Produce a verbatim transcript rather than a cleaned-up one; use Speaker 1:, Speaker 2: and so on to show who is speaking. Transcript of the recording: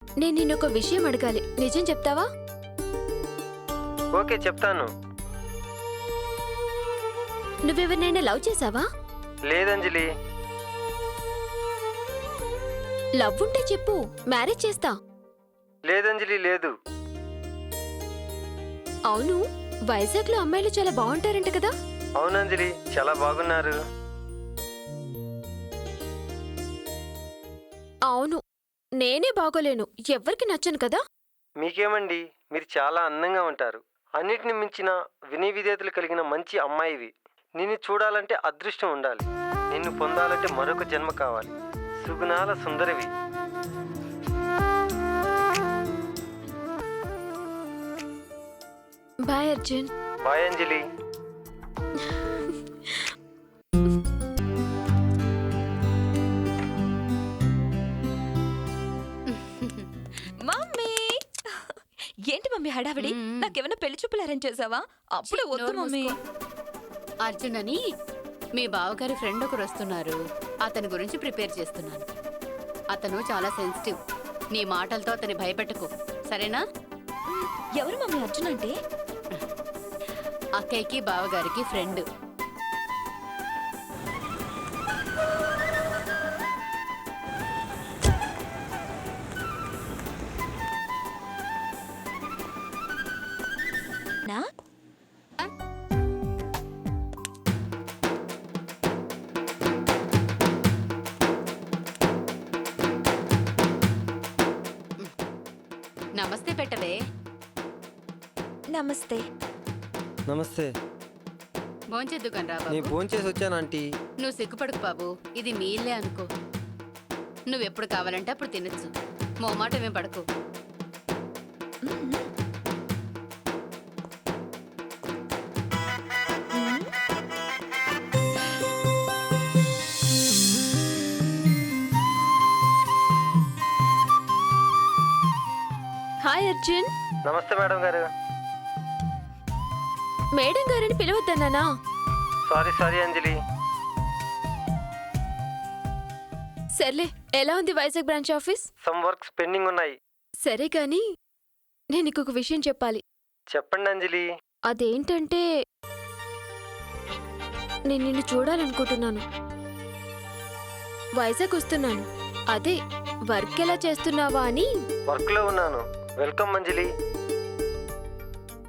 Speaker 1: నేను నిన్నొక విషయం అడగాలి, నిజం చెప్తావా?
Speaker 2: ఓకే చెప్తాను.
Speaker 1: నువ్వెవరినైనా లవ్ చేసావా?
Speaker 2: లేదంజలి.
Speaker 1: లవ్ ఉంటే చెప్పు, మ్యారేజ్ చేస్తా.
Speaker 2: లేదంజలి లేదు.
Speaker 1: అవును, వైజాగ్ లో అమ్మాయిలు చాలా బాగుంటారంట కదా?
Speaker 2: అవునంజలి, చాలా బాగున్నారు.
Speaker 1: అవును, నేనే బాగోలేను, ఎవ్వరికి నచ్చను కదా.
Speaker 2: మీకేమండి, మీరు చాలా అందంగా ఉంటారు. అన్నిటిని మించిన వినయ విధేయతలు కలిగిన మంచి అమ్మాయివి. నిన్ను చూడాలంటే అదృష్టం ఉండాలి. నిన్ను పొందాలంటే మరొక జన్మ కావాలి. సుగుణాల సుందరివి.
Speaker 1: Bye Arjun.
Speaker 2: Bye Anjali.
Speaker 3: Mummy, ఏంటి మమ్మీ హడావిడి? నాకేమైనా పెళ్లి చూపులు అరేంజ్ చేసావా? అప్పుడే వద్దు మమ్మీ.
Speaker 4: అర్జున్ అని మీ బావగారి ఫ్రెండ్ ఒకరు వస్తున్నారు, అతని గురించి ప్రిపేర్ చేస్తున్నాను. అతను చాలా సెన్సిటివ్. నీ మాటలతో అతన్ని భయపెట్టకు, సరేనా?
Speaker 3: ఎవరు మమ్మీ అర్జున్ అంటే?
Speaker 4: అక్కయ్యకి బావగారికి ఫ్రెండ్.
Speaker 3: నా
Speaker 4: నమస్తే పెట్టవే.
Speaker 3: నమస్తే.
Speaker 2: నమస్తే.
Speaker 4: భోంచేద్దు కనరా
Speaker 2: నేను
Speaker 4: బాబు.
Speaker 2: ఫోన్ చేసి వచ్చాను ఆంటీ.
Speaker 4: నువ్వు సిగ్గుపడకు బాబు, ఇది మీ ఇల్లే అనుకో. నువ్వెప్పుడు కావాలంటే అప్పుడు తినచ్చు, మోమాటమేం పడకు.
Speaker 1: హాయ్ అర్జున్.
Speaker 2: నమస్తే మేడం గారు.
Speaker 1: మేడం గారని పిలవద్దన్నానా?
Speaker 2: సారీ సారీ అంజలి.
Speaker 1: సర్లే, ఎలా ఉంది Vizag branch office?
Speaker 2: Some works pending ఉన్నాయి.
Speaker 1: సరే కానీ నేను ఇంకొక విషయం చెప్పాలి.
Speaker 2: చెప్పండి అంజలి.
Speaker 1: అదేంటంటే నేను నిన్ను చూడాలనుకుంటున్నాను. వైజాగ్ వస్తున్నాను, అదే వర్క్ ఎలా చేస్తున్నావా అని.
Speaker 2: వర్క్ లో ఉన్నాను. వెల్కమ్ అంజలి.